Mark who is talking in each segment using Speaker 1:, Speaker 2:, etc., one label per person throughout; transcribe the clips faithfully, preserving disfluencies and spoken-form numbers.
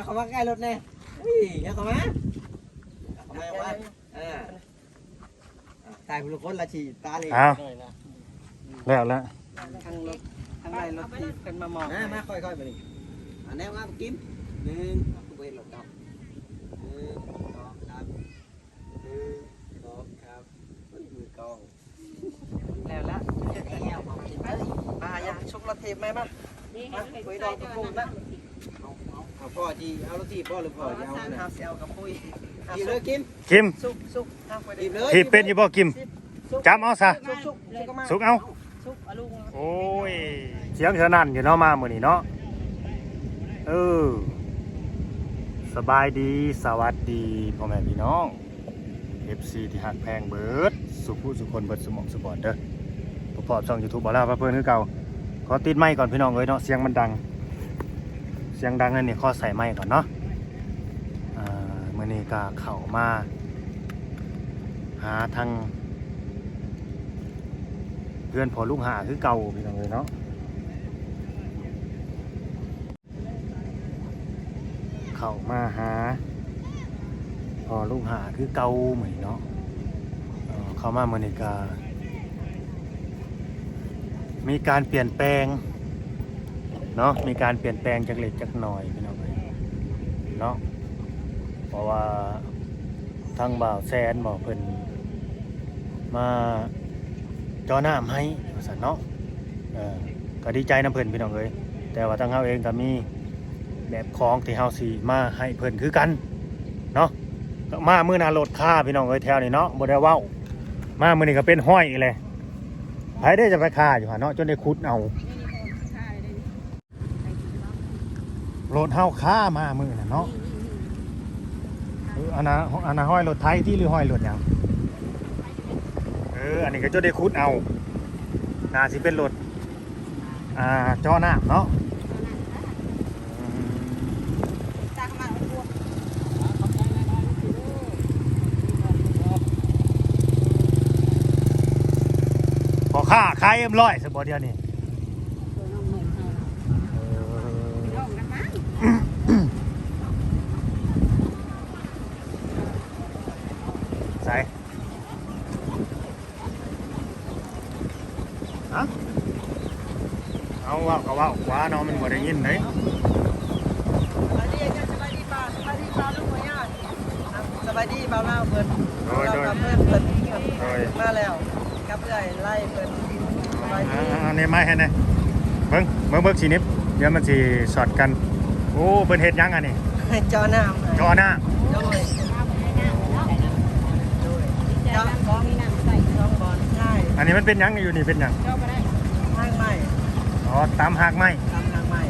Speaker 1: เข้ามาใกล้รถแน่อย่าเข้ามาเข้ามาว่าเออตายบุรุษคนละชีตาเลย
Speaker 2: เอาแล้วแล้ว
Speaker 3: ทางรถทางไรรถที่เป็นมามอง
Speaker 1: นะมาค่อยๆไปนี่อันนี้ว่ากินหนึ่งตัวเองหลบดอกหนึ่งสองครับหนึ่งสองครับมือกอง
Speaker 3: แล้วละมาอย่าชกรถเทปไหมมามาคุยดอกกับปุ้งนะ
Speaker 1: เอาพ่อจีเอารถจีพ่อหรือพ่อเอา
Speaker 3: สามห้าเซลกับปุ้ย
Speaker 1: จีเลยกิน
Speaker 2: กิม
Speaker 3: สุกสุกห้าไป
Speaker 1: จี
Speaker 3: เล
Speaker 1: เลย
Speaker 2: ที่เป็นอยู่บ่กิมจำเอาซะ
Speaker 3: สุกสุกสุกมา
Speaker 2: สุกเอา
Speaker 3: สุกอลุง
Speaker 2: โอ้ยเสียงเท่านั้นอยู่เนาะมามื้อนี้เนาะเออสบายดีสวัสดีพ่อแม่พี่น้อง เอฟ ซี ที่หักแพงเบิดสุผู้สุคนเบิดสมองสปอร์ตเด้อประกอบช่อง YouTube บ่ล่าพระเพิ่นคือเก่าขอติดไมค์ก่อนพี่น้องเอ้ยเนาะเสียงมันดังเสียงดังนั่นนี่ขอใส่ไมค์ก่อนเนาะอ่ามื้อนี้ก็เข้ามาหาทางเพื่อนพอลูกหาคือเก่าพี่น้องเอ้ยเนาะเข้ามาหาพอลูกหาคือเก่าเหมือนเนาะเอ่อเข้ามามื้อนี้ก็มีการเปลี่ยนแปลงเนาะมีการเปลี่ยนแปลงจากเล็กจากน้อยพี่น้องเอ้ยเนาะเพราะว่าทางบ่าวแซนบอกเพิ่นมาจอน้ำให้ว่าซั่นเนาะเออก็ดีใจนำเพิ่นพี่น้องเอ้ยแต่ว่าทางเฮาเองก็มีแบบของที่เฮาสิมาให้เพิ่นคือกันเนาะมามื้อหน้ารถค่าพี่น้องเอ้ยแถวนี้เนาะบ่ได้เว้ามามื้อนี้ก็เป็นห้อยอีกเลยไผได้จะไปค่าอยู่หั่นเนาะจนได้ขุดเอารถเฮาค่ามามื้อน่ะเนาะเอออันน่ะอันน่ะห้อยรถไทยที่หรือห้อยรถหยังเอออันนี้ก็จะได้ขุดเอาน่าสิเป็นรถอ่าจอน้ำเนาะอืมพอค่าขายเอ็มร้อยสบอเดียวนี่ใส่ฮะเอาว่าก็ว่าว่าเนาะมันบ่ได้ยินเลย
Speaker 3: สบายดีสบายดีป้าสบายดีป้าลูกหัวญาติสบายดีเบาเล่าเพิ่นเรากับเพื่อนเพิ่นมาแล้วกับเพื่อนไล่เพิ่นสบายดี
Speaker 2: อันนี้ไม่ให้นะเบิ้งเบิ้งเบิ้งสีนิบเดี๋ยวมันสีสอดกันโอ้เพิ่นเฮ็ดยังอันนี้
Speaker 3: จอน้ำ
Speaker 2: จอหน้า
Speaker 3: โดยจอน้ำมีน้ำใส่ช่องบอลใช่
Speaker 2: อันนี้มันเป็นยังอยู่นี่เป็นยัง
Speaker 3: ทางใหม่
Speaker 2: อ๋อตามหักไม้
Speaker 3: ทำทางใหม่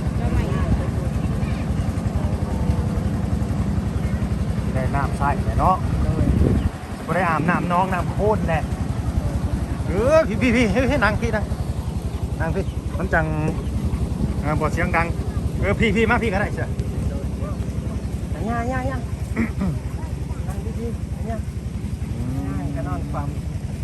Speaker 2: ได้น้ำใส่เนาะบ่ได้อาบน้ำน้องน้ำโคตรแหละเออพี่พี่พี่เฮ้ยนั่งพี่นั่งนั่งพี่มันจังเออบ่เสียงดังเออพี่พี่มาพี่ก็ได้เสีย
Speaker 3: ย่าย่าย่านั่งดีๆย่าก็นอนฟัง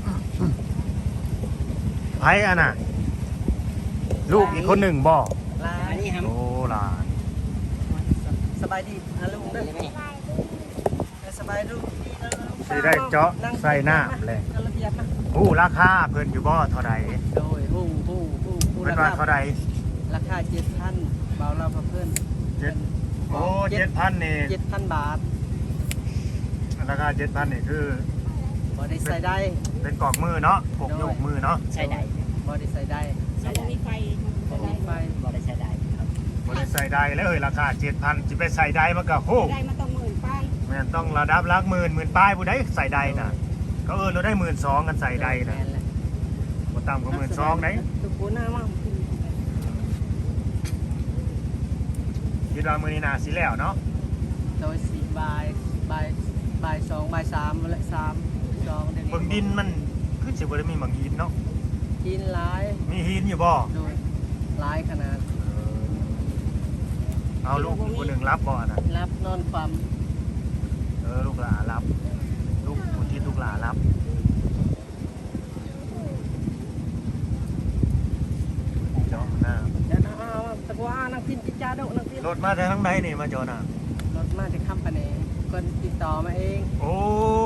Speaker 2: ไผอันน่ะลูกอีกคนหนึ่งบ่
Speaker 3: ลา
Speaker 1: อันนี้ครับ
Speaker 2: โอ้ล่ะ
Speaker 3: สบายดีอาลุงเด้อสบายดู
Speaker 2: สิได้เจาะใส่น้ำเลย
Speaker 3: ระเบียบนะ
Speaker 2: ฮู้ราคาเพิ่นอยู่บ่เท่าใด
Speaker 3: โดยฮู้ฮู้ฮู้ฮู้
Speaker 2: เพิ่นว่าเท่าใด
Speaker 3: ราคาเจ็ดพันเบาเราเพื่อน
Speaker 2: เจ็ดโอ้เจ็ดพันนี่
Speaker 3: เจ็ดพันบาท
Speaker 2: ราคาเจ็ดพันนี่คือ
Speaker 3: บอดี้ใส่ได้
Speaker 2: เป็นกอกมือเนาะปกโยกมือเนาะ
Speaker 3: ใส่ได้บอดี้ใส่ได้
Speaker 4: ใส่ได้มีไฟ
Speaker 3: บอดี้ไฟ
Speaker 4: บ่ได้ใช้ได้ครับ
Speaker 2: บริใส่ได้แล้วเอ้ยราคาเจ็ดพันจะไปใส่ได้มันก็โห
Speaker 4: ได้มาต้องหมื่นป้าย
Speaker 2: แม่นต้องระดับลักหมื่นหมื่นป้ายผู้ใดใส่ได้น่ะก็เออเราได้หมื่นสองกันใส่ได้น่ะบ่ต่ำกว่าหมื่นสองไหน
Speaker 3: ตุกปูหน้ามาก
Speaker 2: คิดว่ามื้อนี้น่าสิแล้วเนาะ
Speaker 3: โดยสี่บายบายบายสองบายสามและสามสองเดี๋ยวนี้
Speaker 2: เบิ่งดินมันคือสิบ่ได้มีหมังหินเนาะ
Speaker 3: กินหลาย
Speaker 2: มีหินอยู่บ่
Speaker 3: โดยหลายขนาด
Speaker 2: เอาลูกอีกคนหนึงรับบ่น่ะ
Speaker 3: รับนอนความ
Speaker 2: เออลูกหลานรับลูกผู้ที่ลูกหลานรับเจาะหน้า
Speaker 3: เดี๋ยวนะเอาตะกัวานางพินจิจ้าดกนางพิน
Speaker 2: รถมาแต่ทางไหนนี่มาจอดน่ะ
Speaker 3: รถมาจากคำปะเนคนติดต่อมาเอง
Speaker 2: โอ้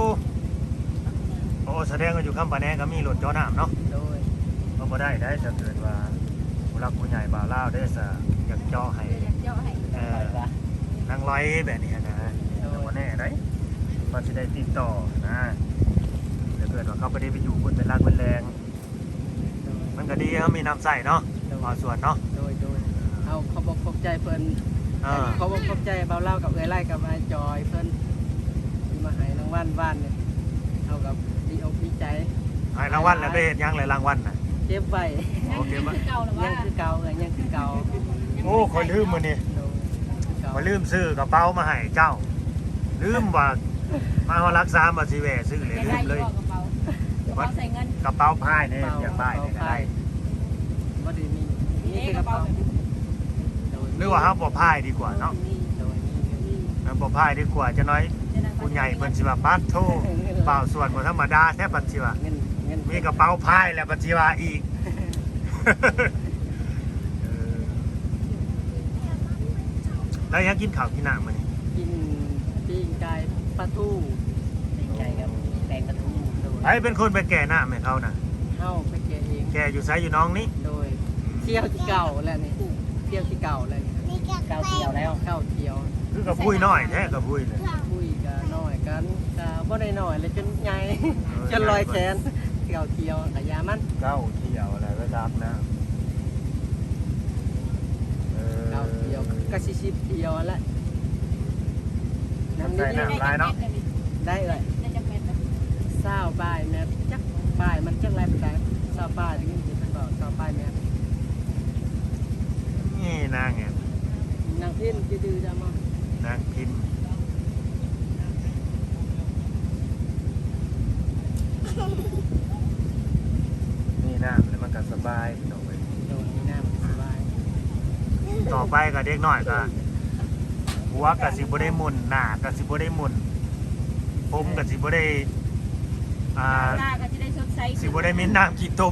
Speaker 2: โอ้แสดงว่าอยู่คำปะแนก็มีรถจอน้ำเนาะ
Speaker 3: โดย
Speaker 2: ก็บ่ได้ได้ถ้าเกิดว่าผู้รักผู้ใหญ่บ่าวลาวได้ซะอยากเจาะให้
Speaker 4: อยากเจาะให้
Speaker 2: เอ่อนางร้อยแบบนี้นะแต่บ่แน่ได้ว่าสิได้ติดต่อนะถ้าเกิดว่าเขาบ่ได้ไปอยู่บนเป็นรักเป็นแรงมันก็ดีเขามีน้ำใส่เนาะพอส่วนเนาะ
Speaker 3: โดยโดยเอาเขาบอกขอบใจเพิ่น
Speaker 2: เออ
Speaker 3: เขาบอกขอบใจเบาเล่ากับเอ้ยไล่กับไอ้จอยเพิ่นที่มาให้รางวัลบ้านเนี่ยเอากับดีอกดีใจ
Speaker 2: ให้รางวัลแล้วได้เฮ็ดหยังเลยรางวัลน่ะ
Speaker 3: เจ็บไว้
Speaker 2: โอเค
Speaker 4: ยัง
Speaker 2: บ่
Speaker 4: คือเก่าหรือ
Speaker 3: ยั
Speaker 4: ว่าง
Speaker 3: คือเก่าเอ้ยยังคือเก่า
Speaker 2: โอ้คอยลืมมื้อนี้
Speaker 3: โดยเก่า
Speaker 2: คอยลืมซื้อกระเป๋ามาให้เจ้า ลืมว่ามาเฮารักษามาสิแวะซื้อเลย
Speaker 4: ยัง
Speaker 2: ลื
Speaker 4: ได้
Speaker 2: ม
Speaker 4: อ
Speaker 2: เลย
Speaker 4: ยู่บ่กระเป๋ากระเป๋าใส่เงิน
Speaker 2: กระเป๋าพายเนี่ยอยากพายเนี่ยก็ได้
Speaker 3: บ่ได้มี
Speaker 4: นี่
Speaker 3: นี่คือก ก
Speaker 4: ระ
Speaker 3: ระ
Speaker 4: เป๋า
Speaker 3: เป๋า
Speaker 4: แบบ
Speaker 3: โดย
Speaker 2: หรือว่าเฮาบ่พายดีกว่าเนาะ
Speaker 3: โดยนี่
Speaker 2: เฮาบ่พายดีกว่าจะน้อยผู้ใหญ่เพิ่นสิว่าปัดโทเปล่าส่วนบ่ธรรมดาแท้ปัดสิว่า
Speaker 3: เงินเงิน
Speaker 2: มีกระเป๋าพายแล้วปัดสิว่าอีก เออแล้วยังกินข้าวกินน้ำมื้อนี้
Speaker 3: กินปิ้งไก่ปลาทู
Speaker 4: ไก่กับแตงกระทู
Speaker 3: โดย
Speaker 2: ไผเป็นคนไปแก่น้ำให้เขาน่ะ
Speaker 3: เฮาไปแกะเอง
Speaker 2: แก่อยู่ไสอยู่น้องนี่
Speaker 3: โดยเที่ยวที่เก่าแล้วนี่เที่ยวที่เก่าแล้วนี่
Speaker 4: เก้าเที่ยวแล้ว
Speaker 3: เก่าเที่ยว
Speaker 2: คือกับปุ้ยน้อยแท้กับปุ้ยเลย
Speaker 3: คุยกันน้อยกันก็บ่ได้น้อยเลยจนใหญ่จนลอยแขนเก่าเที่ยวกะยามัน
Speaker 2: เก้าเที่ยวอะไรก็ตามนะเออ
Speaker 3: เก่าเที่ยวก็สิสิบเที่ยวแล้วน้ำ
Speaker 2: ใส่
Speaker 3: นิด
Speaker 2: น้ำลายเนาะ
Speaker 3: ๆได้เลย
Speaker 4: ได้จักเม็ดนะ
Speaker 3: เศร้าบ่ายแม่จักบ่ายมันจักไรเป็นไรเศร้าบ่ายถึงนี่เป็นบอกเศร้าบ่ายแม่
Speaker 2: นี่นางไง
Speaker 3: นางพินจะดื้อจะมาน
Speaker 2: างพิมพ์นี่น้ำแล้วมันก็สบายพี่น้องเว้ย
Speaker 3: โดนนี่หน้ามันสบาย
Speaker 2: ต่อไปก็เด็กน้อยก็หัวก็สิบ่ได้หมุนหน้าก็สิบ่ได้หมุนผมก็สิบ่ได้อ่า
Speaker 4: หน้าก็จะได้สดใส
Speaker 2: สิบ่ได้มีน้ำขี้ต้ม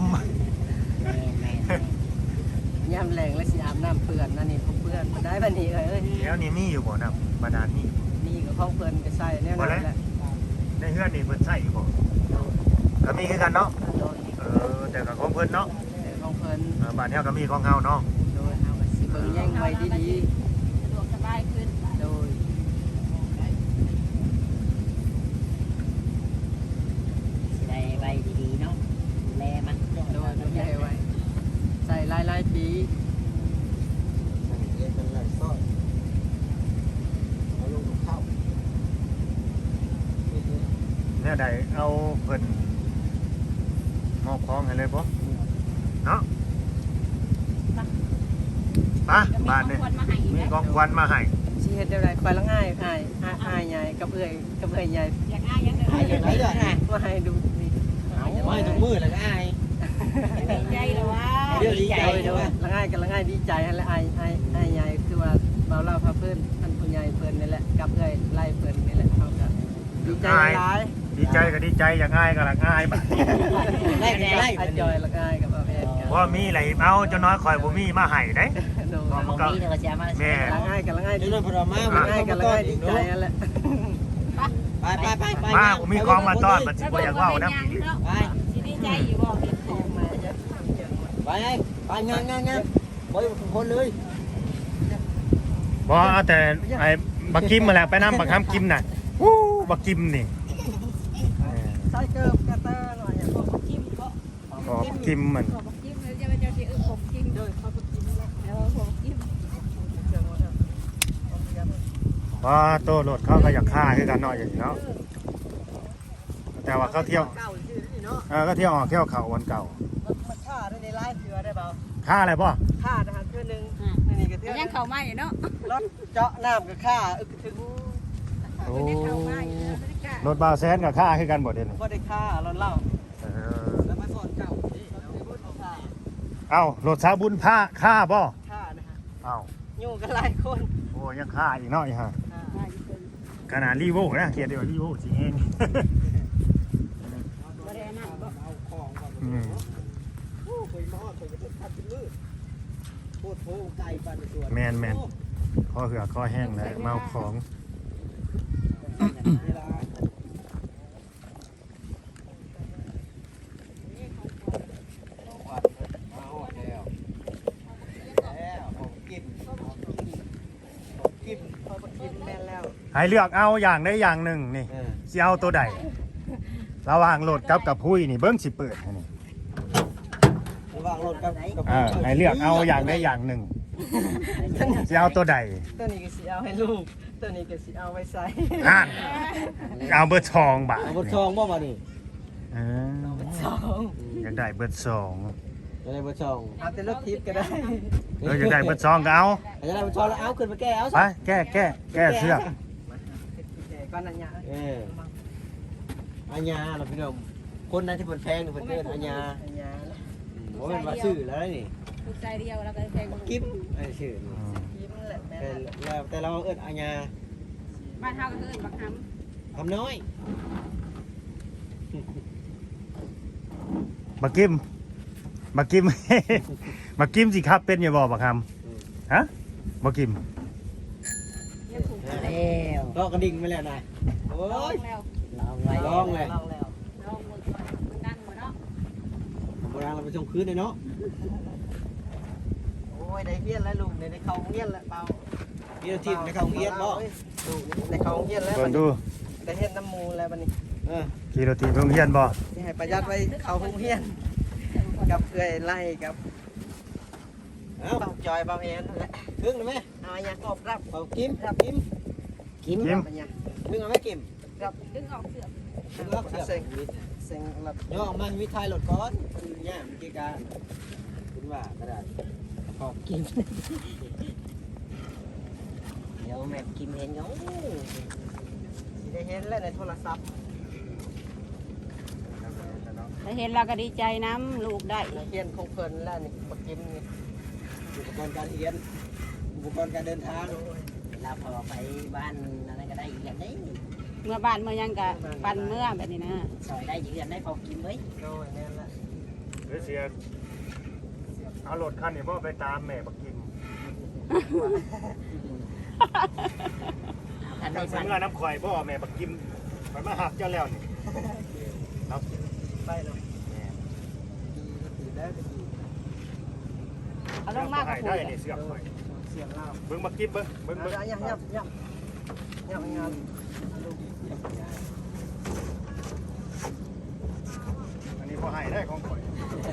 Speaker 3: ย่ำแรงและสีอาบน้ำเปื่อนนั่นนี่ผมเปื่อนมาได้บันนี้เลยเอ้ย
Speaker 2: แล้วนี่มีอยู่บ่น้ำบาดาลนี่
Speaker 3: นี่ก็ของเปื่อนไปใส่แน่นอนแหละ
Speaker 2: ในเฮือนนี่เพิ่นใช้อยู่บ่ก็มีคือกันเนาะ
Speaker 3: โดน
Speaker 2: เออแต่ก็ของเพิ่นเนาะ
Speaker 3: ของเพิ่น
Speaker 2: เออบ้านเฮาก็มีของเฮาเนาะ
Speaker 3: โดยเอาก็สิเบิ่งแย่งไว้ดี
Speaker 4: สะดวกสบายขึ้น
Speaker 3: ๆโดย
Speaker 5: สิได้ใบดีๆเนาะดูแลมัน
Speaker 3: โดยดูแลไว้ใส่หลายๆปี
Speaker 1: เรียนเป็นไรซ่อนเอาลงกับข้าว
Speaker 2: แนวใดเอาเพิ่นมอบของให้เลยบ่เนาะมา
Speaker 4: ก็มี
Speaker 2: บ้าน
Speaker 4: ข
Speaker 2: นี่
Speaker 4: องคนมาให้อีก
Speaker 2: มี
Speaker 4: แล้ว
Speaker 2: ของขวัญมาให้
Speaker 3: สิเฮ็ดได้ไรคอยละง่ายอายอายอายใหญ่กับเอื้อยกับเอื้อยใหญ่
Speaker 4: อยากอ้ายยัง
Speaker 1: ไอ้ยังไงเด้อ
Speaker 3: มาให้ดูสิ
Speaker 1: ไม่ต้องมือแล้วก็อาย
Speaker 4: ดีใจเลยว่า
Speaker 1: เดี๋ยวดีใจ
Speaker 3: โดยโดยละง่ายกับละง่ายดีใจให้ละอายอายอายใหญ่คือว่าเบาเล่าพาเพิ่นท่านผู้ใหญ่เพิ่นนี่แหละกับเอื้อยไล่เพิ่นนี่แหละเขาก็ดีใจหลาย
Speaker 2: ดีใจก็ดีใจอยากอายก็อยากอายบัด
Speaker 1: ไล่ไล่
Speaker 3: ไอ้จอยละง่ายกับอาเพชรกัน
Speaker 2: บ่มีอะไรเอาเจ้าน้อยข่อยบ่มีมาให้เด้
Speaker 3: โดย
Speaker 5: มองนี้เดี๋ยวก็จะมา
Speaker 2: แม่
Speaker 3: ละง่ายกับละง่าย
Speaker 1: เดี๋
Speaker 3: ดี
Speaker 1: ยวเราพอมา
Speaker 3: ละง่ายกับละง่ายดีใจนั่นแหละ
Speaker 1: ไปไปไปไป
Speaker 2: มาผมมีของมาต้อนบัดสิบ่อยากเว้านํ
Speaker 4: ไปสิดีใจอยู่บ่เห็นของ
Speaker 3: มาเยอะ
Speaker 1: ไปไปงานงานงานบอยคนเลย
Speaker 2: บ่เอาแต่ไอ้บักกิมมาแหละไปนำบักคำกิมน่ะวู้บักกิมนี่
Speaker 3: ใส่เกิบกระเตอร์หน่อยอย่างพวก
Speaker 4: จิ้มก็
Speaker 2: ขอบกิมมัน
Speaker 4: ขอบจิ้มแล้วจะไปเจอที่อึผมจิ้ม
Speaker 3: โดยเขาก็กินแล้ว
Speaker 4: แล้วผมจิ้ม
Speaker 3: เกิดหมดแล้ว
Speaker 2: ว่าโตรถเขาก็อยากฆ่าคือกันเนาะอย่างนี้เนาะแต่ว่าเขาเที่ยว
Speaker 3: เก่าชื่อนี่เนาะ
Speaker 2: เออก็เที่ยวออกเที่ยวเขาวันเก่า
Speaker 3: มันฆ่าได้ในไล่เถื่อได้เปล่า
Speaker 2: ฆ่าอะไรป่ะ
Speaker 3: ฆ่าทหารเทื่อนึงนี่ก็เทื่อ
Speaker 4: ยังเข้ามาอยู่เนาะ
Speaker 3: รถเจาะน้ำก็ฆ่าอึกถึง
Speaker 2: โอ้
Speaker 4: ยังเข้ามาอยู่บรรยากาศ
Speaker 2: รถบาวแซนกับฆ่าคือกันหมดเลยนี่
Speaker 3: ก็ได้ฆ่าเราเล่า
Speaker 2: เออ
Speaker 3: แล้วมาสอนเก่านี่เราไม่พูดฆ่า
Speaker 2: เอ้ารถสาบุญผ้าฆ่าป่ะ
Speaker 3: ฆ่านะฮะ
Speaker 2: เอ้า
Speaker 3: อยู่กันหลายคน
Speaker 2: โอ้ยังฆ่าอีกเนาะอีฮะ
Speaker 3: ฆ่า
Speaker 2: ขนาดรีโวนะเขียนเดียวรีโวสิเอง
Speaker 4: บ่ได้นั่นบ่
Speaker 2: อืม
Speaker 1: โอ้เคยมาเคยจะทัดเป็นมือพูดโค้งไก่ปันส่วน
Speaker 2: แมนแมนข้อเหือข้อแห้งเลยเมาของ
Speaker 1: เวลามาหอดแล้วแล้วผมกินผมกินผมกิน
Speaker 3: พอกินแม่นแล้ว
Speaker 2: ให้เลือกเอาอย่างได้อย่างหนึ่งนี่
Speaker 1: เออ
Speaker 2: สิเอาตัวใดระหว่างโหลดกับกับพุ้ยนี่เบิ้งสิเปิดให้นี่
Speaker 1: ระหว่างรถกับกับ
Speaker 2: อ่าให้เลือกเอาอย่างได้อย่างหนึ่งสิเอาตัวใด
Speaker 3: ตัวนี้ก็สิเอาให้ลูกตัวนี้ก็สิเอาไว้ใส่
Speaker 2: อ่านเอาเบอร์สองบาท
Speaker 1: เอาบทซองบ่มาดิ
Speaker 2: เออ
Speaker 3: สอง
Speaker 2: อยากได้เบอร์สอง
Speaker 1: จะได้บทซอง
Speaker 3: เอาแต่รถทิพย์ก็ได้
Speaker 2: เอออยากได้เบอร์สองก็เอา
Speaker 1: จะได้บทซองแล้วเอาขึ้นมาแก้เอา
Speaker 2: ไปแก้แก้แก้เสื้อก
Speaker 3: แต่ก้อนนั้นยา
Speaker 1: เอออาญาเราพี่น้องคนนั้นที่เพิ่นแพงนี่เพิ่นเอิ้นอาญา
Speaker 3: อันยา
Speaker 1: โอ้ยมาซื้อแล้วนี่
Speaker 4: ลูกใจเดียวแล้วก็แพง
Speaker 1: กิ๊บไอ้ชื่อนี่
Speaker 2: อืม
Speaker 3: ยิ้มแหละแม่
Speaker 1: แต่แล้วแต่เราเอิ้นอาญา
Speaker 4: บ้านเฮาก็เอิ้นบักห
Speaker 1: คำน้อย
Speaker 2: บักกิมบักกิม บักกิมสิครับเป็นอย่าบอกบักคำฮะบักกิม
Speaker 4: ำยังถูก
Speaker 5: แล้ว
Speaker 1: ก็กระดิ่งไปแล้วนายโอ้
Speaker 4: ลอง
Speaker 1: ย
Speaker 4: แล้ว
Speaker 5: ลองไว้
Speaker 1: ลองเลย
Speaker 3: ลองแล้ว
Speaker 4: ลองหมดมันดังหมดเนาะ
Speaker 1: โบราณเราไปชมคืนเลยเนาะ
Speaker 3: โอ้ยได้เฮียนแล้วลูกได้เข้าโรงเรียนแล้วเบา
Speaker 1: พี่เราทีมในเขาเงียบบ่
Speaker 3: ลูกได้เข้าโรงเรียนแล้ว
Speaker 2: เบิ่งดู
Speaker 3: ได้เฮ็ดน้ำมูแล้วบัดนี้
Speaker 1: เออ
Speaker 2: กี่โรตีโรงเรียนบ่
Speaker 3: ที่ให้ประหยัดไว้เข้าโรงเรียนกับเอื้อยไล่กับ
Speaker 1: เอา
Speaker 3: เบาจอยเบาแอนนั่นแหละ
Speaker 1: ครึ่งเลยไหม
Speaker 3: เอาอันยากอบรับ
Speaker 1: เอากิมครับกิม
Speaker 5: กิน
Speaker 2: กิม
Speaker 3: อันยา
Speaker 1: มึงเอาไหมกิม
Speaker 4: ดึงออกเสือก
Speaker 1: มึงล็อกเสียบ
Speaker 3: เซ็งเซ็งรับ
Speaker 1: ย่อมันวิทายหลดก้อนเนี่ยมันกี่การคุณว่ากระดาษ
Speaker 5: ขอบกินเดี๋ยวแม่กินเห็นเขา
Speaker 3: สิได้เห็นแล้วในโทรศัพท์
Speaker 4: ได้เห็นเราก็ดีใจน้ำลูกได้
Speaker 3: นักเรียนของเพิ่นแล้วนี่บักกิมนี่
Speaker 1: อุปกรณ์การเรียนอุปกรณ์การเดินทาง
Speaker 5: เราพอไปบ้านอะไรก็ได้อีกอย่างนี้
Speaker 4: เมื่อบ้านเมื่อยังกะปันเมื่อแบบนี้นะ
Speaker 5: ซอยได้ยืนได้พอกินไว้
Speaker 3: โดยแม่นละ
Speaker 2: เดี๋ยวเสียเอารถคันนี้บ่ไปตามแม่บักกิม
Speaker 5: ท่าน
Speaker 2: ทา
Speaker 5: ได้
Speaker 2: ง
Speaker 5: ฟัน
Speaker 2: สำนักน้ำข่อยบ่แม่บักกิมไปมาหักเจ้าแล้วนี่เนาะ
Speaker 3: ไปเนาะดีแล้วดี
Speaker 4: เอาลงมาก
Speaker 2: ให้
Speaker 4: ก็
Speaker 2: ได้
Speaker 4: คุย
Speaker 2: นี่เสือกข่อย
Speaker 3: เสียงเล่า
Speaker 2: เบิ่งบักกิมเบิ่งเบิ่ง
Speaker 3: เอา
Speaker 2: เบิ่ง
Speaker 3: ละยับยับยับยับงานลูก
Speaker 2: อันนี้บ่ให้ได้ของข่อย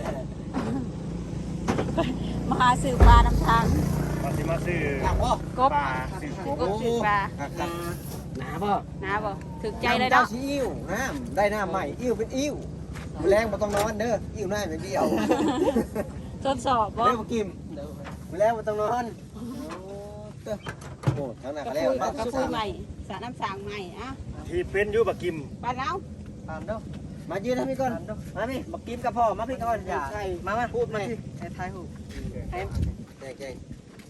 Speaker 4: มาหาสื่อปลาน้ำทาง
Speaker 2: มาสิมาซื้อ
Speaker 1: อยากบ่
Speaker 4: กบ
Speaker 2: ปลาซื้อ
Speaker 4: กบสื่อปลา
Speaker 5: หนาบ่
Speaker 4: นะบ่ถึกใจเลย
Speaker 1: เจ้า
Speaker 4: เนาะ
Speaker 1: สีอิ่วน้ำได้น้ำใหม่อิ่วเป็นอิ่วแรงมาต้องนอนเด้ออิ่วหน้าอย่างเดียว
Speaker 4: ทดสอบบ่
Speaker 1: เด้อมากิมแรงมาต้องนอนโอ้ทั้งนั้น
Speaker 4: กระ
Speaker 1: แล้ว
Speaker 4: ปุยกระปุยใหม่สระน้ำสางใหม่อ่ะ
Speaker 2: ที่เป็นอยู่บักกิม
Speaker 4: บ้านเรา
Speaker 3: ผ่านเด้อ
Speaker 1: มายืนให้พี่ก่อน
Speaker 3: ผ่านเด้อ
Speaker 1: มาพี่มากิมกับพ่อมาพี่ก่อนอย่า
Speaker 3: ใช่มามา
Speaker 1: พูดไหม
Speaker 3: ที่ให้ทายหูให้
Speaker 1: แก่ๆ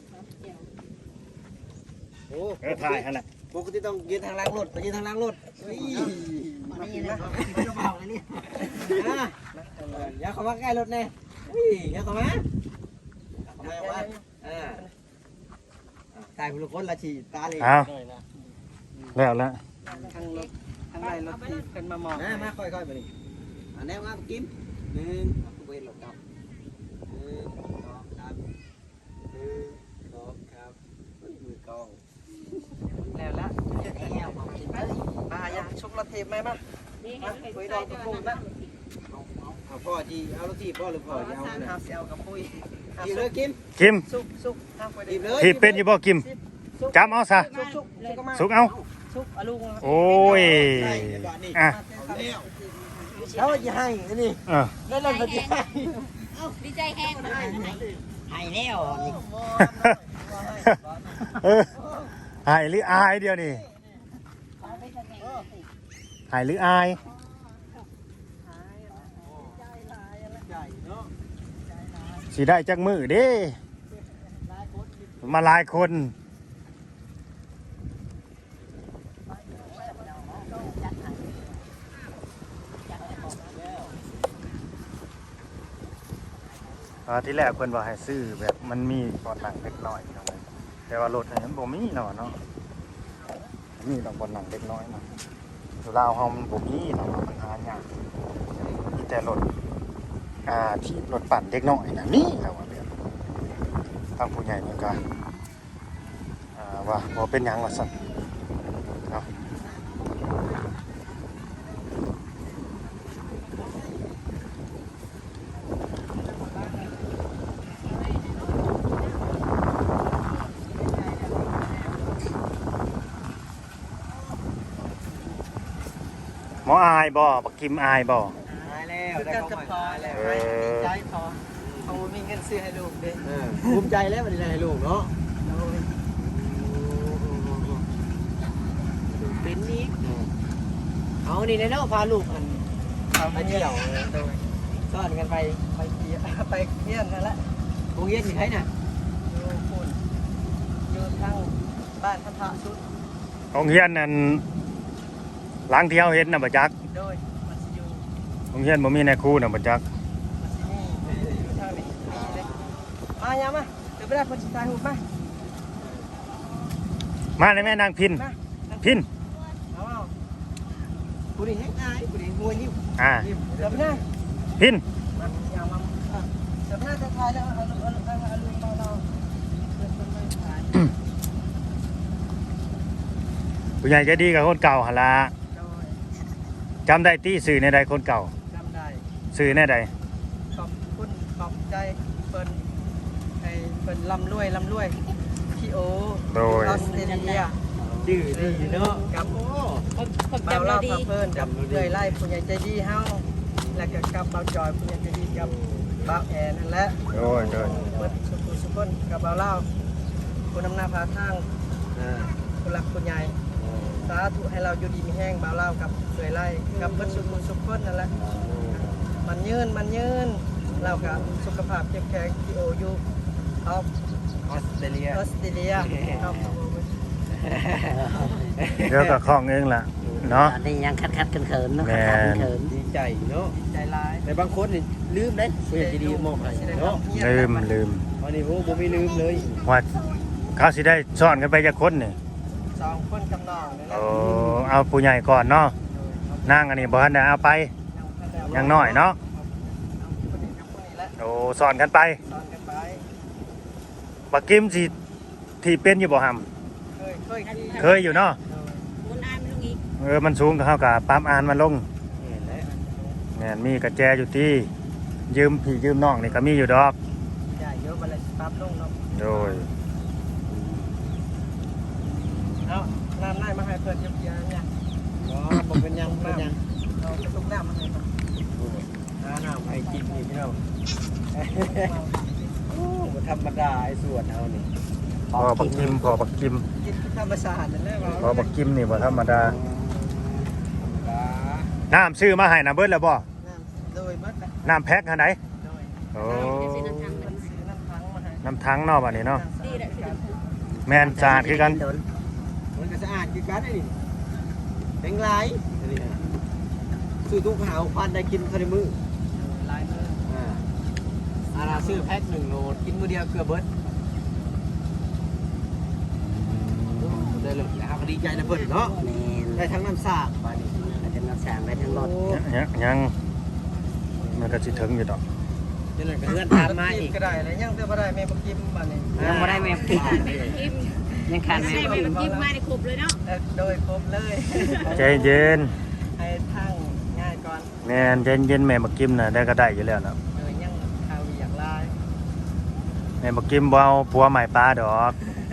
Speaker 1: โอ้
Speaker 2: เออถ่ายหั่นแหละ
Speaker 1: ปกติต้องยืนทางล่างรถไปยืนทางล่างรถมานี่นะจะเบาเลยเนี่ยอย่าเข้ามาใกล้รถแน่อย่าเข้ามาเข้ามาว่าอ่าตายผู้ละคนละฉีตาเลย
Speaker 2: เอาแล้วแล้ว
Speaker 3: ทางรถทางไรรถที่เป็นมามอง
Speaker 1: มามาค่อยๆไปนี่อันนี้มากิมหนึ่งเวรหลบกับหนึ่งสองครับหนึ่งสองครับมือกอง
Speaker 3: แล้วละ
Speaker 5: แล้วพอกินเลย
Speaker 3: มาอย่าชุบรถเทปไหมมา
Speaker 4: นี่เห็นเห็นใจเดินนะ
Speaker 1: เอาพ่อจีเอารถทีพ่อหรือพ่อจะเอา
Speaker 3: ทาง
Speaker 1: เนี่ย
Speaker 3: หาเสียวกับปุ้ย
Speaker 1: จีเลยกิม
Speaker 2: กิม
Speaker 3: ซุกซุกทางไป
Speaker 1: จี
Speaker 3: ดิ
Speaker 1: เลย
Speaker 2: ที่เป็นอยู่บ่กิมจำเอาซะ
Speaker 3: ซุกซุกซุกก็มา
Speaker 2: สุกเอา
Speaker 3: ซุกอลุง
Speaker 2: โอ้ยอ่ะ
Speaker 1: แล้วจะให้นี่
Speaker 2: เออ
Speaker 1: นั่นนั่นมันจะให้
Speaker 4: ดีใจแห้งเลย
Speaker 5: ให้แล้วนี่
Speaker 2: เออหายหรืออายเดียวนี่หายหรืออายสิได้จักมือเด้มาหลายคนไปอ่าที่แรกเพิ่นว่าให้ซื้อแบบมันมีก่อนหนังเล็กน้อยพี่น้องเอ้ยแต่ว่ารถเนี่ยมันบ่มีเนาะเนาะมีต้องก่อนหนังเล็กน้อยเนาะอยู่ลาวเฮามันบ่มีเนาะมันหายากมีแต่รถอ่าที่รถปั่นเล็กน้อยน่ะมีแล้วว่าเรื่องทางผู้ใหญ่เพิ่นก็อ่าว่าบ่เป็นหยังว่าซั่นเนาะ หมออายบ่บักกิมอายบ่
Speaker 1: ตายแล้ว
Speaker 3: คือ
Speaker 1: ได้
Speaker 3: การ
Speaker 1: เข้า
Speaker 3: จะ
Speaker 1: มา
Speaker 3: พอแล้วให้ดีใจพอเขามีเงินซื้อให้ลูกเด้
Speaker 1: เออภูมิใจแล้ววันนี้ให้ลูกเนาะ
Speaker 3: โดย
Speaker 1: เป็นนี้เอานี่แน่เนาะพาลูกอัน
Speaker 3: เขา
Speaker 1: ไป
Speaker 3: ไป
Speaker 1: เที่
Speaker 3: เที่
Speaker 1: ย
Speaker 3: ยว วโดย
Speaker 1: ซ่อนกันไป
Speaker 3: ไปเที่ยวไปเที่ยวนั่นแหละ
Speaker 1: โรงเรียนที่ไหนน่ะ
Speaker 3: อยู่คุณอยู่ทางบ้านพันธะสุด
Speaker 2: โรงเรียนนั่นหลังที่เฮาเห็นน่ะบ่จัก
Speaker 3: โดยมันสิอยู่
Speaker 2: โรงเรียนบ่มีนายครูน่ะบ่จัก
Speaker 3: มันสิมีอยู่ทางนี้มีเลยมาอย่ามาเดี๋ยวไปได้คนสุดท้ายหูมา
Speaker 2: มาเลยแม่นางพิน
Speaker 3: มา
Speaker 2: พิน
Speaker 3: เอาเอา
Speaker 1: ผู้นี้แห้งอายผู้นี้หัวยิ้ม
Speaker 2: อ่า
Speaker 1: ยิ้ม
Speaker 3: เดี๋ยวไปได้
Speaker 2: พิน
Speaker 3: มาอย่ามาอ่ะเดี๋ยวไปได้จะทายแล้วเอาลูกเอาลูกเอาลูกเอาลูกเอาเราเพื่อนคนไม่ทาย
Speaker 2: ผู้ใหญ่ใจดีกับคนเก่าหั่นล่ะ
Speaker 3: โดย
Speaker 2: จำได้ตี้สื่อในใดคนเก่า
Speaker 3: จำได้
Speaker 2: สื่อในใด
Speaker 3: ขอบคุณขอบใจเปิ้นให้เปิ้นร่ำรวยร่ำรวยพี่โอ
Speaker 2: โดย
Speaker 3: ออสเตรเลีย
Speaker 1: ดื้อดีเนาะ
Speaker 3: กับ
Speaker 1: โอ้
Speaker 4: คนคน
Speaker 3: เบา
Speaker 4: จำเรา
Speaker 3: เล่า
Speaker 4: ดี
Speaker 3: พาเพิ่นกับเลื่อยไล่ผู้ใหญ่ใจดีเฮาแล้วก็กับเบาจอยผู้ใหญ่ใจดีกับเบาแอนนั่นแหละ
Speaker 2: โดยโดย
Speaker 3: เบิดสุขุสุขคนกับเบาเล่าผู้นำหน้าพาทาง
Speaker 1: อ่า
Speaker 3: ผู้หลักผู้ใหญ่สาธุให้เราอยู่ดีมีแห้งเบาเล่ากับเลื่อยไล่กับเบิดสุขุสุขคนนั่นแหละมันยืนมันยืนเรากับสุขภาพเข้มแข็งที่โออยู่ออฟ
Speaker 1: ออสเตรเลีย
Speaker 3: ออสเตรเลียครับ
Speaker 2: เดี๋ยวก็คล้องเองล่ะเนาะ
Speaker 5: ตอนนี้ยังคัดคัดๆเขินๆเนาะ
Speaker 2: แม่
Speaker 5: คัด
Speaker 2: น
Speaker 5: คัดเขิน
Speaker 1: ดีใจเนาะ
Speaker 3: ใจร้าย
Speaker 1: แต่บางคนนี่ลืมได้ผู้ใหญ่ใจดีมอบให้เนาะ
Speaker 2: ลืมลืม
Speaker 1: วันนี้โอ้บ่มีลืมเลย
Speaker 2: ว่าเขาสิได้ซ่อนกันไปจักคนนี่
Speaker 3: สองคนกำนองนี่แหละ
Speaker 2: โอ้เอาผู้ใหญ่ก่อนเนาะนางอันนี้บ่ทันได้เอาไปยังน้อยเนาะ
Speaker 3: คนนี้กับคนนี้แหละ
Speaker 2: โอ้ซ่อนกันไป
Speaker 3: ตอนกันไป
Speaker 2: บักกิมสิที่เป็นอยู่บ่หำ
Speaker 3: เคยเคยขี่
Speaker 2: เคยอยู่เนาะ
Speaker 4: มุนอายไม่รู้อีก
Speaker 2: เออมันสูงก็เฮากับปั๊มอ่านมันลง
Speaker 1: นี่แหละ
Speaker 2: แม่นมีกระแจอยู่ที่ยืมพี่ยืมน้องนี่ก็มีอยู่ดอก
Speaker 3: ใหญ่เยอะมาเลยปั๊บลงเนาะ
Speaker 2: โดย
Speaker 3: เอาน้ำไล่มาให้เพื่อนเยี่ยมเนี่ย
Speaker 1: อ๋อบ่เป็นหยังบ่เป็นหยัง
Speaker 3: เราจะตุกน้ำมาให้ครับ
Speaker 1: หาน้ำให้กินนี่พี่น้องโอ้บ่ธรรมดาไอ้ส่วนเฮานี่
Speaker 2: พอบักกิมพอบักกิม
Speaker 3: กินธรรมชาตินั่นแหละ
Speaker 2: พอบักกิมนี่บ่ธรรมดา
Speaker 1: ดา
Speaker 2: น้ำซื้อมาให้นะเบิดแล้วบ่
Speaker 3: น้ำโดยเบิดนะ
Speaker 2: น้ำแพ็คอันไหน
Speaker 3: โดย
Speaker 2: โอ้
Speaker 3: ซื้อน้ำพังมาให้
Speaker 2: น้ำทั้งเนาะบัดนี้เนาะ
Speaker 4: ดีแหละสิ
Speaker 2: แม่นสะอาดคือกัน
Speaker 1: มันก็สะอาดคือกันไอ้นี่เป็นไรอันนี้นะซื้อทุกหาวพันได้กินภายในมื้อ
Speaker 3: ลายมือ
Speaker 1: อ่าอาราซื้อแพ็คหนึ่งโหลดกินมื้อเดียวเกลือเบิดได้เลยนะครับดีใจนะเพิ่นเนาะ
Speaker 5: แม่น
Speaker 1: ได้ทั้งน้ำสากบาดนี้
Speaker 5: อาจจะมาสั่งได้ทั้งรถ
Speaker 2: ยังยังมันก็สิถึงอยู่ดอก
Speaker 1: จนกระเพื่อนตามมาอีก
Speaker 3: ก็ได้เลยยังเตือนบ่ได้แม่บ่กินบ้านนี้
Speaker 5: ยังไม่ได้แม่กิน
Speaker 4: แม่กิม
Speaker 5: ยังขาดแม่
Speaker 4: ใส่
Speaker 5: กิ
Speaker 4: แม่
Speaker 5: น
Speaker 4: กิมมาในครบเลยเนาะ
Speaker 3: เอ่อโดยครบเลย
Speaker 2: ใจเย็น
Speaker 3: ให้ทั้งง่ายก่อน
Speaker 2: แม่นใจเย็นแม่บักกิมน่ะได้ก็ได้อยู่แล้วนะ
Speaker 3: โดยยังข่าวอย่างไร
Speaker 2: แม่บักกิมบ่เอาผัวใหม่ปลาดอก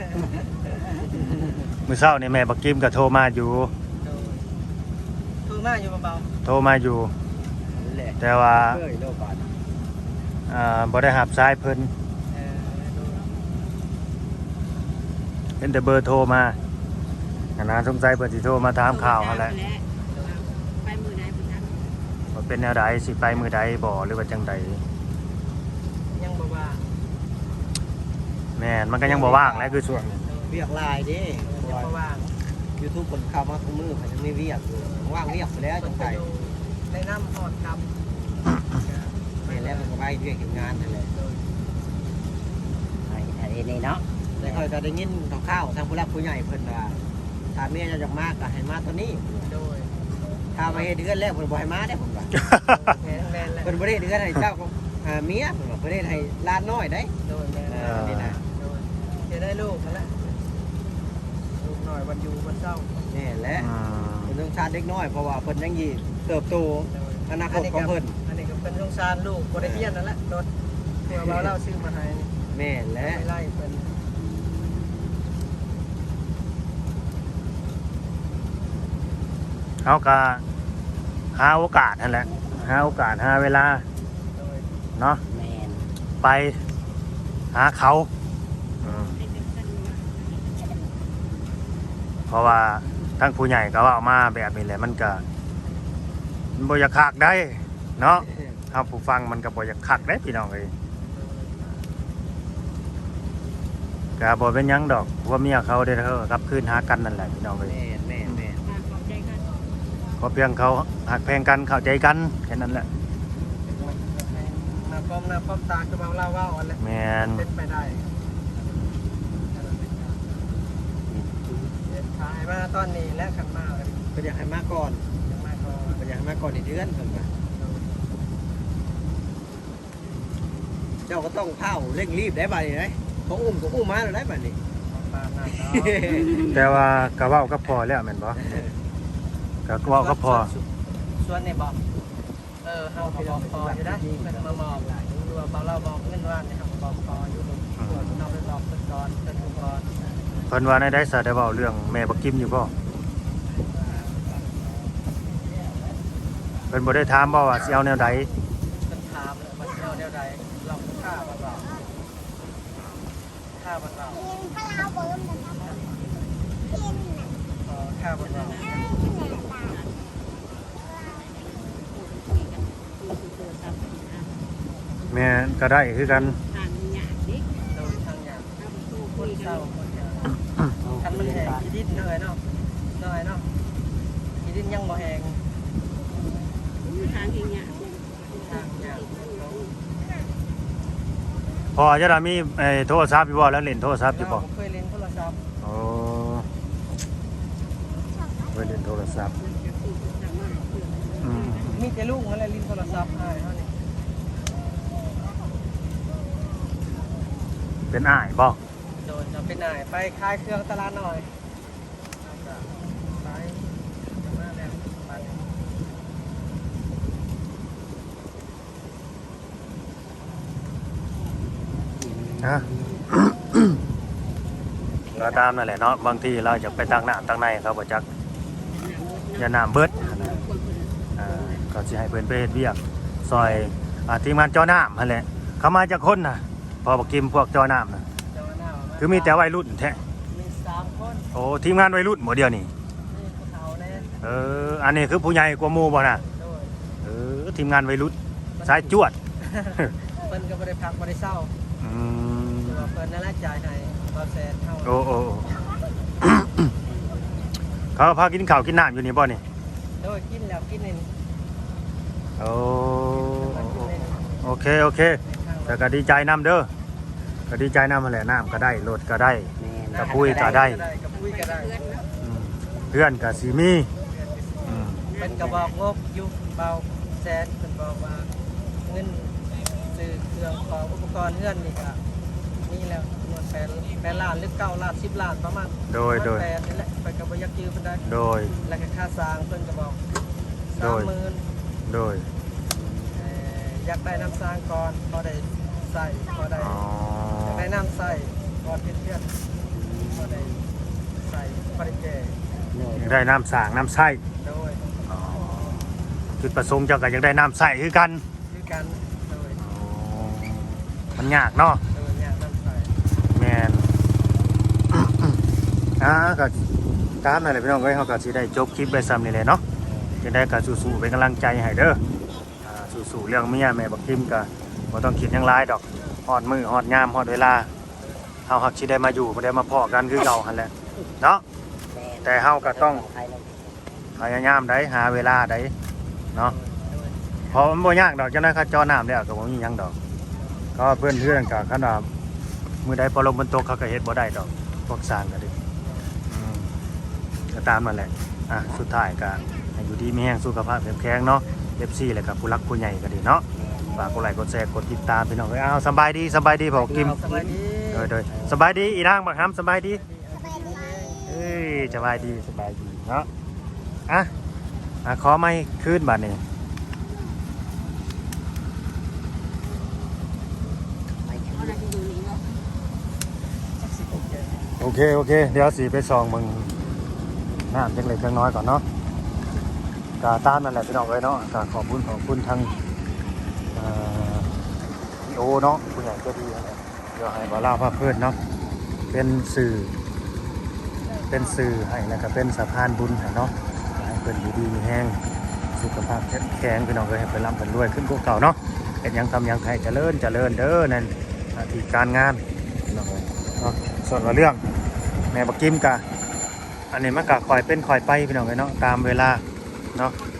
Speaker 2: มื้อเช้านี่แม่บักกิมก็โทรมาอยู่
Speaker 3: โดยคือมาอยู่เบา
Speaker 2: โทรมาอยู่
Speaker 1: นี่แหละ
Speaker 2: แต่ว่า
Speaker 1: เอ้ยโลบาด
Speaker 2: อ่าบ่ได้รับสายเพิ่น
Speaker 3: ๆเออโดย
Speaker 2: เห็นแต่เบอร์โทรมาอันนั้นสงสัยเพิ่นสิโทรมาถามข่าวหั่นแหละ
Speaker 4: ไปมือไหนพุ่นนะ
Speaker 2: ว่าเป็นแนวใดสิไปมื้อใดบ่หรือว่าจังใด
Speaker 3: ยังบ่ว่า
Speaker 2: แม่นมันก็ยังบ่ว่างแหล้วคือช่วงนี้
Speaker 1: เรียกลายดิ
Speaker 3: ยังบ่ว่าง
Speaker 1: ยูทูบคนเข้ามาทุกมือมันยังไม่เรียกอยู่ว่างเรียกไปแล้วจังไง
Speaker 3: ในน้ำหอดกับ
Speaker 1: แม่แล้วมันก็ไปเรียกเห็นงานนั่นแหละ
Speaker 3: โดย
Speaker 5: ห็นนี่เนาะ
Speaker 1: แต่ค่อยก็ได้ยินข่าวๆทางผู้หลักผู้ใหญ่เพิ่นว่าถ้าเมียจะอยากมาก็ให้มาตัวนี้
Speaker 3: โดย
Speaker 1: ถ้ามาเฮ็ดเดือนแล้วเพิ่นบ่ให้มาได้ผมว่า
Speaker 3: แม่นแม่นแหละ
Speaker 1: เพิ่นบ่ได้เฮ็ดเดือนให้เจ้าของอ่าเมียเพิ่นว่าเพิ่นเฮ็ดให้หลานน้อยได้
Speaker 3: โดยแม่น
Speaker 1: เออนี่นะ
Speaker 3: โดยจะได้ลูกนั่นแหละลูกหน่อยวันอยู่วันเศร้า
Speaker 1: นี่แหละ
Speaker 2: อืม
Speaker 1: เพิ่นต้องชาติเด็กน้อยเพราะว่าเพิ่นยังยีเติบโต
Speaker 3: โดย
Speaker 1: อนาคตของเพิ่น
Speaker 3: อันนี้ก็เป็นสงสารลูกบ่ได้เรียนนั่นแหละรถเพื่อเราเล่าซื้อมาให้
Speaker 1: แม่นแหละ
Speaker 3: ไม่ไล่เพิ่น
Speaker 2: เขาก็หาโอกาสนั่นแหละหาโอกาสหาเวลา
Speaker 3: โดย
Speaker 2: เนาะ
Speaker 5: แม่น
Speaker 2: ไปหาเขาอืมเพราะว่าทั้งผู้ใหญ่ก็ว่าเอามาแบบนี้แหละมันก็มันบ่อยากคักได้เนาะเฮาผู้ฟังมันก็บ่อยากคักได้พี่น้องเอ้ยก็บ่เป็นหยังดอกว่าเมียเขาได้เท่ากลับคืนหากันนั่นแหละพี่น้องเอ้ย
Speaker 1: แม่นแม่นแม่น
Speaker 4: มาขอบใจกัน
Speaker 2: ขอเพียงเขาหักแพงกันเข้าใจกันแค่นั้นแหละ
Speaker 3: หน้าป้อมหน้าป้อมตาคือเบาเล่าว่าอ่อนแหละ
Speaker 2: แม่น
Speaker 3: เป็นไปได้เด็ดขายมาตอนนี้และขันมาเลย
Speaker 1: เพิ่นอยากให้มาก่อน
Speaker 3: ยังมาก่อน
Speaker 1: เพิ่นอยากให้มาก่อนอีกเดือนเพิ่นว่าเจ้าก็ต้องเผาเร่งรีบได้บัดนี้เด้เขาอุ้มก็อุ้มมาแล้วได้บัดนี้
Speaker 3: ปลาหน้าเนาะ
Speaker 2: แต่ว่าก็เว้ากับพ่อแล้วแม่นบ่ก็เว้ากับพ่อ
Speaker 3: ส่วนนี่บอกเออเฮาก็บอกพออยู่ได้เพิ่นมามอบดูว่าเบาเล่าบอกเงินว่านนี่เฮาก็บอกพออยู่ส่วนเราไปบอกเพิ่นก่อนเพิ่นดูก่อน
Speaker 2: เพิ่นว่าในได้สาได้เว้าเรื่องแม่บักกิมอยู่บ่เพิ่นบ่ได้ถามบ่ว่าสิเอาแนวใด
Speaker 3: เพิ่นถามเลยว่าสิเอาแนวใดลองฆ่าบ่เบาฆ่าบ่เบาเออฆ่าบ่เบา
Speaker 2: แม่ก็ได้คือกัน
Speaker 4: ทางหยาดดิ
Speaker 3: โดยทางอย่าง
Speaker 4: ถ้าประตู
Speaker 3: ค
Speaker 4: คุ
Speaker 3: น
Speaker 4: ย
Speaker 3: เศ
Speaker 4: กั
Speaker 3: ร้าน คนเศร้าคันมันแหงขี้ดินเหนื่อยเนาะเหนื่อยเนาะขี้ดินยังบ่แหง
Speaker 4: ทางหยาด
Speaker 3: ทางอย่าง
Speaker 2: พอจะได้มีไอ้โทรศัพท์อยู่บ่แล้วเล่นโทรศัพท์อยู่บ่
Speaker 3: เราเคยเล่นโทรศัพท์
Speaker 2: โอ้ไว้เล่นโทรศัพท์อืม
Speaker 3: มีแต่ลูกอะไรเล่นโทรศัพท์ให้เท่านี้
Speaker 2: เป็นอ้ายบ่
Speaker 3: โดนจะไปไหนไปคลายเครื่องตลาดหน่อยไปมาแล้วไป
Speaker 2: ฮะ ก็ตามนั่นแหละเนาะบางทีเราจะไปตั้งน้ำตั้งในเขาบ่จักอย่าน้ำเบิดอ่าก็สิให้เพิ่นไปเฮ็ดเวียกซอยอ่าทีมงานจอน้ำหั่นแหละเขามาจากคนน่ะพอบักกิมพวกจอน้ำน่ะ
Speaker 3: เจ้าหน้า
Speaker 2: คือมีแต่วัยรุ่นแท้
Speaker 3: มีสามคน
Speaker 2: โอ้ทีมงานวัยรุ่นหมดเดียวนี่
Speaker 3: นี่ภูเขาเนี่ย
Speaker 2: เอออันนี้คือผู้ใหญ่กว่าหมู่บ่น่ะ
Speaker 3: โดย
Speaker 2: เออทีมงานวัยรุ่นสายจวด
Speaker 3: เพิ่นก็บ่ได้พักบ่ได้เศร้า
Speaker 2: อืม
Speaker 3: คือว่าเพิ่นนั่นแหละจ่ายให้บ่แสนเท่า
Speaker 2: โอ้โอ้โอ้ เขาพากินข้าวกินน้ำอยู่นี่บ่นี่
Speaker 3: โดยกินแล้วกินนี่
Speaker 2: โอ้
Speaker 3: มันกินนี่
Speaker 2: โอเคโอเคแต่ก็ดีใจนำเด้อก็ดีใจนำมาแหละน้ำก็ได้รถก็ได้
Speaker 5: แม่น
Speaker 2: กระปุ้ยก็ได้
Speaker 3: กับปุ้ยก็ได้
Speaker 2: อืมเพื่อนก็สีมีอืม
Speaker 3: เป็นกระบอกงบอยู่เบาแสนเพิ่นบอกว่าเงินซื้อเครื่องของอุปกรณ์เฮือนนี่ก็นี่แล้วหน่วยแปดแปดล้านหรือเก้าล้านสิบล้านประมาณ
Speaker 2: โดยโดย
Speaker 3: แปดนี่แหละเพิ่นก็บ่อยากยืมเพิ่นได้
Speaker 2: โดย
Speaker 3: แล้วก็ค่าสร้างเพิ่นก็บอก
Speaker 2: โดย
Speaker 3: สามหมื่น
Speaker 2: โดย
Speaker 3: เอ่ออยากได้น้ำสร้างก่อนพอได้ใส่พอได้
Speaker 2: อ๋อ
Speaker 3: อยากได้น้ำใส่ก่อนเฮ็ดเฮือนพอได้ใส่พอได้แก่
Speaker 2: ได้น้ำสร้างน้ำใส้
Speaker 3: โดย
Speaker 2: จุดประสงค์เจ้าก็ยังได้น้ำใส้คือกัน
Speaker 3: คือกันโดย
Speaker 2: อ๋อมันยากเนาะ
Speaker 3: โดยเนี่ยน้ำใส่
Speaker 2: แมน อ่าก็ตามนั่นแหละพี่น้องเอ้ยเขาก็สิได้จบคลิปไปซ้ำนี่แหละเนาะจะได้ก็สู้ๆเป็นกำลังใจให้เด้ออ่าสู้ๆเรื่องเมียแม่บักทิมก็บ่ต้องคิดหยังหลายดอกฮอดมือฮอดยามฮอดเวลาเฮาฮักสิได้มาอยู่บ่ได้มาพ้อกันคือเก่าหั่นแหละเนาะแต่เฮาก็ต้องพยายามได้หาเวลาได้เนาะเพอมันบ่ยากดอกจังได๋เขาจอน้ำแล้วก็บ่มีหยังดอกก็เพื่อนเพื่อนก็คันว่ามือใดพอลมบนตกเขาก็เฮ็ดบ่ได้ดอกพวกสร้างก็ดิอืมก็ตามนั่นแหละอ่ะสุดท้ายก็ให้อยู่ดีมีแรงสุขภาพแข็งเนาะ เอฟ ซี แล้วก็ผู้รักผู้ใหญ่ก็ดีเนาะฝากกดไลค์กดแชร์กดติดตามพี่น้องเอ้ยอ้าวสบายดีสบายดีบอกกิม
Speaker 3: สบายดี
Speaker 2: โดยโดยสบายดีอีนางบักฮัมสบายดีเอ้ยสบายดีสบายดีเนาะอ่ะอ่ะขอไม่คืนบัดนี้
Speaker 4: เอาอะไรที่ดูนี่เนาะ
Speaker 2: โอเคโอเคเดี๋ยวสีไปซองมึงน้ำจังเล็กจังน้อยก่อนเนาะกาต้านนั่นแหละพี่น้องเอ้ยเนาะกาขอบคุณขอบคุณทางเอ่อพี่โอเนาะผู้ใหญ่ก็ดีอะไรเดี๋ยวให้บาล่าภาพเพื่อนเนาะเป็นสื่อเป็นสื่อให้แล้วก็เป็นสะพานบุญให้เนาะให้เพิ่นอยู่ดีมีแห้งสุขภาพแข็งพี่น้องเอ้ยให้เพิ่นร่ำเพิ่นรวยขึ้นกว่าเก่าเนาะเป็นหยังทำหยังให้เจริญเจริญเด้อนั่นหน้าที่การงานพี่น้องเอ้ยเนาะส่วนว่าเรื่องแม่บักกิมกะอันนี้มันกะคอยเป็นคอยไปพี่น้องเอ้ยเนาะตามเวลาเนาะ